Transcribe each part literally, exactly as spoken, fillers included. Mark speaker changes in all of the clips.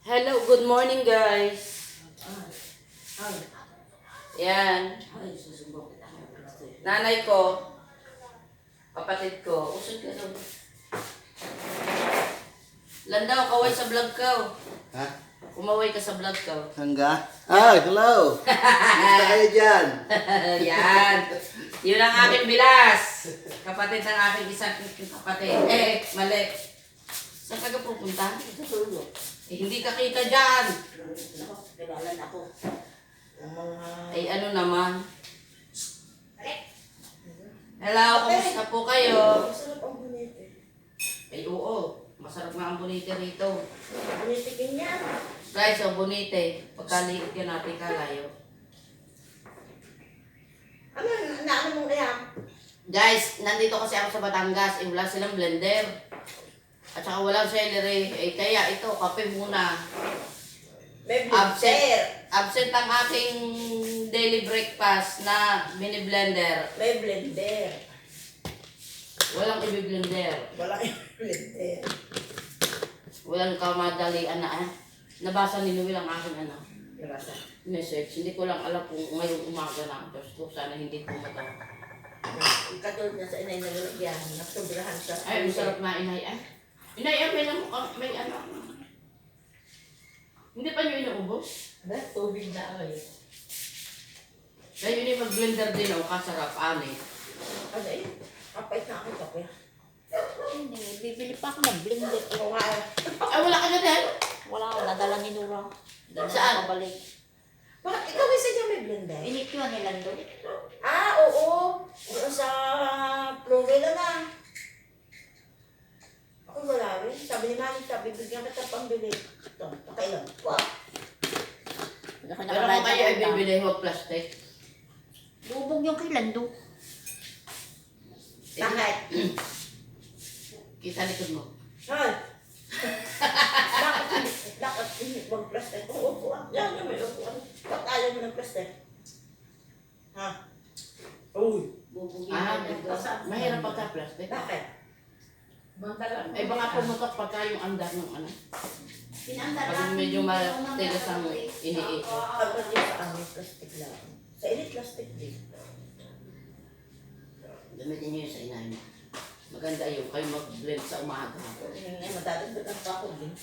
Speaker 1: Hello, good morning guys.
Speaker 2: Ay,
Speaker 1: Yan.
Speaker 2: ay, susubok kita ngayon kasi.
Speaker 1: Nanay ko, kapatid ko. Usod ka daw. Landaw, kaway sa vlog ko.
Speaker 3: Ha?
Speaker 1: Kumaway ka sa vlog ko.
Speaker 3: Hangga? Ah, hello! Kumusta kayo dyan?
Speaker 1: Yan. Yun ang aking bilas. Kapatid ng aking isang kapatid. Eh, mali. Saan ka ka pupunta?
Speaker 2: Tutulog.
Speaker 1: Eh, hindi ka kita dyan.
Speaker 2: Ako, kilalan ako. Ang mga...
Speaker 1: Ay, ano naman. Hello, kumusta po kayo?
Speaker 2: Masarap ang bunete.
Speaker 1: Ay, oo. Masarap nga ang bonite rito.
Speaker 2: Bunetikin niya.
Speaker 1: Guys, ang bonite. Pagkaliit yan natin kalayo.
Speaker 2: Ano, naano mo kaya?
Speaker 1: Guys, nandito kasi ako sa Batangas. Eh, wala silang blender. At saka walang celery. Eh, kaya ito, kape muna.
Speaker 2: May
Speaker 1: Absent.
Speaker 2: blender.
Speaker 1: Absent ang aking daily breakfast na mini blender.
Speaker 2: May blender.
Speaker 1: Walang i-blender.
Speaker 2: Wala yung blender.
Speaker 1: Walang kamadalian na ah. Nabasa ni Noel ang aking ano.
Speaker 2: Nabasa.
Speaker 1: Message. Hindi ko lang alam kung ngayong umaga na. Diyos ko, sana hindi pumunta.
Speaker 2: Katulad na sa inay na lalagyan. Nagsobrahan sa...
Speaker 1: Ay, masarap na inay. Ay, inay, ay, may, namu- ah, may ano. Hindi pa nyo inuubos?
Speaker 2: Ba, tubig na ako eh.
Speaker 1: Kaya yun yung mag-blender din ako, kasarap, ani.
Speaker 2: Ano eh? Kapay na ako kape.
Speaker 4: Hindi, bibili pa ako ng blender.
Speaker 2: Ako nga eh.
Speaker 1: Ay, wala ka na din.
Speaker 4: Wala akong nadala ni Nura. Hindi na
Speaker 1: Saan?
Speaker 4: ako balik.
Speaker 2: Bakit ikaw isa dyan may blender?
Speaker 4: Inikiwan nila doon.
Speaker 2: Ah, oo. Doon sa Florida na. Ako wala rin. Sabi ni Manny, sabi, bigyan kita pambili. Ito, pakailan. Wow.
Speaker 4: Hindi ako
Speaker 1: Pero kung kayo ay bibili, huwag plastic.
Speaker 4: Bubog yung kay Lando.
Speaker 2: Bakit?
Speaker 1: Kita likod mo.
Speaker 2: Hoy! Bakit hindi? Bakit hindi bang plastic? Oo, upuan. Yan, yan, may upuan. Bakit ayaw mo ng plastic? Ha? Uy.
Speaker 4: Bubog yung
Speaker 1: Ah,
Speaker 4: kay Lando.
Speaker 1: mahirap pagka plastic.
Speaker 2: Bakit?
Speaker 1: Ay, baka pumutok pagka yung andar ng ano.
Speaker 4: Pinandar
Speaker 1: Pag medyo matigas ang iniikot.
Speaker 2: Kapag yun sa amin, plastic lang. Sa init, plastic din.
Speaker 1: Gamitin nyo yun sa inay mo. Maganda yun, kayo mag-blend sa umaga.
Speaker 2: Yun nga, madadagdagan pa ako din.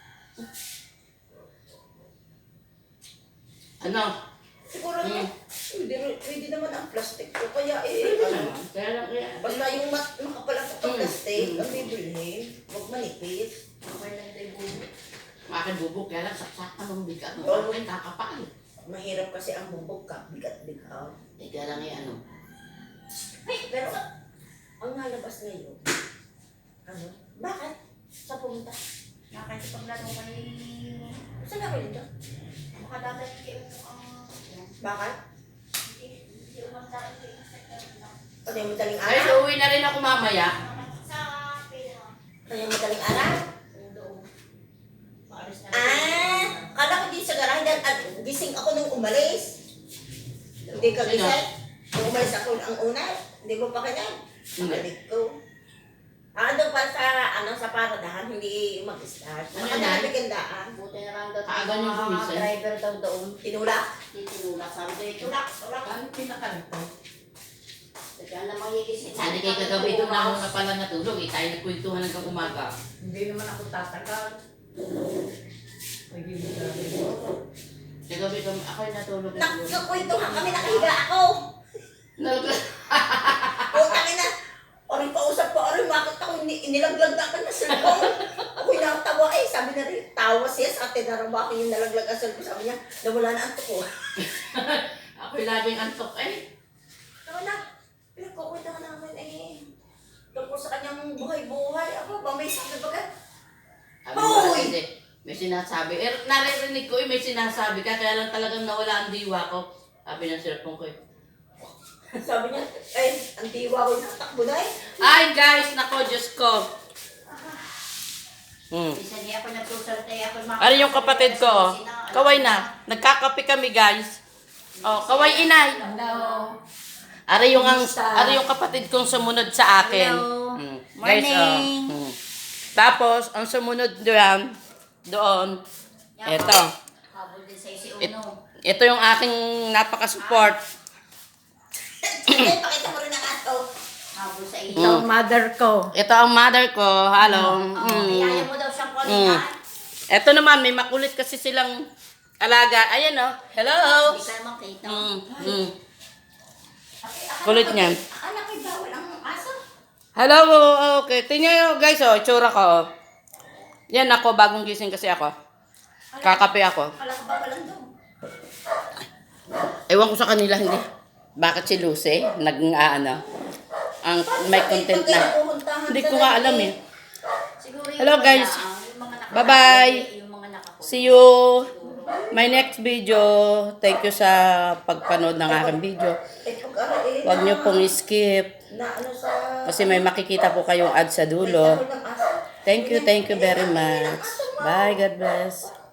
Speaker 1: Ano?
Speaker 2: Siguro
Speaker 1: Hmm.
Speaker 2: na, pwede, pwede naman ang plastic ko. Kaya eh,
Speaker 1: Pwede
Speaker 2: ano,
Speaker 1: naman. Kaya lang, kaya.
Speaker 2: basta yung mat, makapalat ang
Speaker 1: Mm.
Speaker 2: plastic,
Speaker 1: Mm.
Speaker 2: ang bibilhin, huwag manipis.
Speaker 4: Okay lang tayo bubog.
Speaker 1: Akin bubok, kaya lang saksakan ng bigat. Ang
Speaker 2: Oo.
Speaker 1: akin kakapal.
Speaker 2: Mahirap kasi ang bubog ka, bigat-bigat.
Speaker 1: Eh, kaya lang yung ano.
Speaker 2: Pero, ang nalabas ngayon, ano, bakit? Sa pumunta?
Speaker 4: Nakakasipaglaro kay...
Speaker 2: Saan na kayo dito?
Speaker 4: Makadagat kayo ang...
Speaker 2: Bakit?
Speaker 4: Hindi hindi umang sa akin kayo sa
Speaker 2: Kaya madaling
Speaker 1: Ay,
Speaker 2: araw?
Speaker 1: so uwi na rin ako mamaya.
Speaker 4: Sa pera.
Speaker 2: Kaya madaling araw?
Speaker 4: Doon. Maalis na.
Speaker 2: Ah, kala ko din sa garahe dahil at gising ako nung umalis. Hindi ka
Speaker 1: Sino?
Speaker 2: gising? Nung umalis ako ang una, hindi mo pa kanya?
Speaker 1: Hindi.
Speaker 2: Balik ko. Ah, doon para sa, ano, sa paradahan, hindi mag-start.
Speaker 1: Ano
Speaker 2: Ano
Speaker 1: yan?
Speaker 2: na bigandaan?
Speaker 4: Buti na lang daw.
Speaker 1: Kaaga niyong
Speaker 4: mga
Speaker 1: gumising.
Speaker 4: driver daw doon.
Speaker 2: Tinulak.
Speaker 4: Titinulak. Sabi ko, ito
Speaker 2: Tulak, tulak.
Speaker 1: Ano pinakalito?
Speaker 4: Kaya naman higising.
Speaker 1: Sana kay kagabi doon na ako na pala natulog. Eh, tayo nagkwentuhan hanggang umaga.
Speaker 5: Hindi naman ako tatagal. Nagiging grabe mo.
Speaker 1: Kagabi kami, ako'y natulog.
Speaker 2: Nagkakwentuhan kami, nakahiga ako.
Speaker 1: Nag-
Speaker 2: Putang ina. Orin kausap ko, orin, bakit ako ni- nilaglag na ako ng cellphone? Ako'y natawa eh. Sabi na rin, tawa siya sa atin na ba ako yung nalaglag ang cellphone. Sabi niya, nawala na ang tuko.
Speaker 1: ako'y laging antok eh.
Speaker 2: Tama na, pinagkukwentuhan namin eh. Tungkol sa kanyang buhay-buhay. Ako ba, may sabi ba ka?
Speaker 1: Sabi ko,
Speaker 2: Hoy!
Speaker 1: hindi. May sinasabi. Eh, naririnig ko eh, may sinasabi ka. Kaya lang talagang nawala ang diwa ko. Sabi ng cellphone ko eh.
Speaker 2: Sabi niya, ay, ang diwa ko natakbo na eh.
Speaker 1: Ay guys, nako, Diyos ko. Hmm.
Speaker 4: Isa niya ako nagsusalte ako.
Speaker 1: Ano yung kapatid ko? oh? Kaway na. Nagkakape kami guys. Oh, kaway inay.
Speaker 4: Hello.
Speaker 1: Ari yung ang
Speaker 4: Kumusta?
Speaker 1: ari yung kapatid kong sumunod sa akin.
Speaker 4: Hello.
Speaker 1: Hmm. Guys, oh.
Speaker 4: Morning.
Speaker 1: Hmm. Tapos ang sumunod doon, doon Eto.
Speaker 4: Habol din sa'yo si
Speaker 1: It-
Speaker 4: Uno.
Speaker 1: Ito yung aking napaka-support.
Speaker 2: Sige, pakita mo rin ang ato.
Speaker 4: Habol sa
Speaker 5: Ito
Speaker 4: iyo.
Speaker 5: ang mother ko.
Speaker 1: Ito ang mother ko. Hello.
Speaker 4: Oh,
Speaker 1: Mm.
Speaker 4: Iyaya mo daw siyang
Speaker 1: Mm.
Speaker 4: kulitan.
Speaker 1: Ito naman, may makulit kasi silang alaga. Ayan oh. Hello.
Speaker 4: Hindi ka naman kita.
Speaker 1: Mm. Mm.
Speaker 2: Akala
Speaker 1: Kulit
Speaker 2: ko-
Speaker 1: niyan.
Speaker 2: Akala ko'y bawal ang aso.
Speaker 1: Hello. Okay. Tingnan nyo guys oh. Itsura ko oh. Yan ako. Bagong gising kasi ako. Kakape ako.
Speaker 2: Akala ko bawal ang dog.
Speaker 1: Ewan ko sa kanila hindi. Bakit si Lucy? Nag-ano? Ang may content na. Hindi ko nga alam eh.
Speaker 4: Siguro yung
Speaker 1: Hello,
Speaker 4: mga
Speaker 1: guys.
Speaker 4: na- yung mga nakakahuli,
Speaker 1: Bye-bye.
Speaker 4: Yung mga nakakahuli.
Speaker 1: See you my next video. Thank you sa pagpanood ng aking video.
Speaker 2: Eh, pag-aral eh,
Speaker 1: Huwag
Speaker 2: na-
Speaker 1: niyo pong skip
Speaker 2: Na ano sa...
Speaker 1: kasi may makikita po kayong ad sa
Speaker 2: May
Speaker 1: dulo.
Speaker 2: tahol ng aso.
Speaker 1: Thank you, thank you very much. Bye, God bless.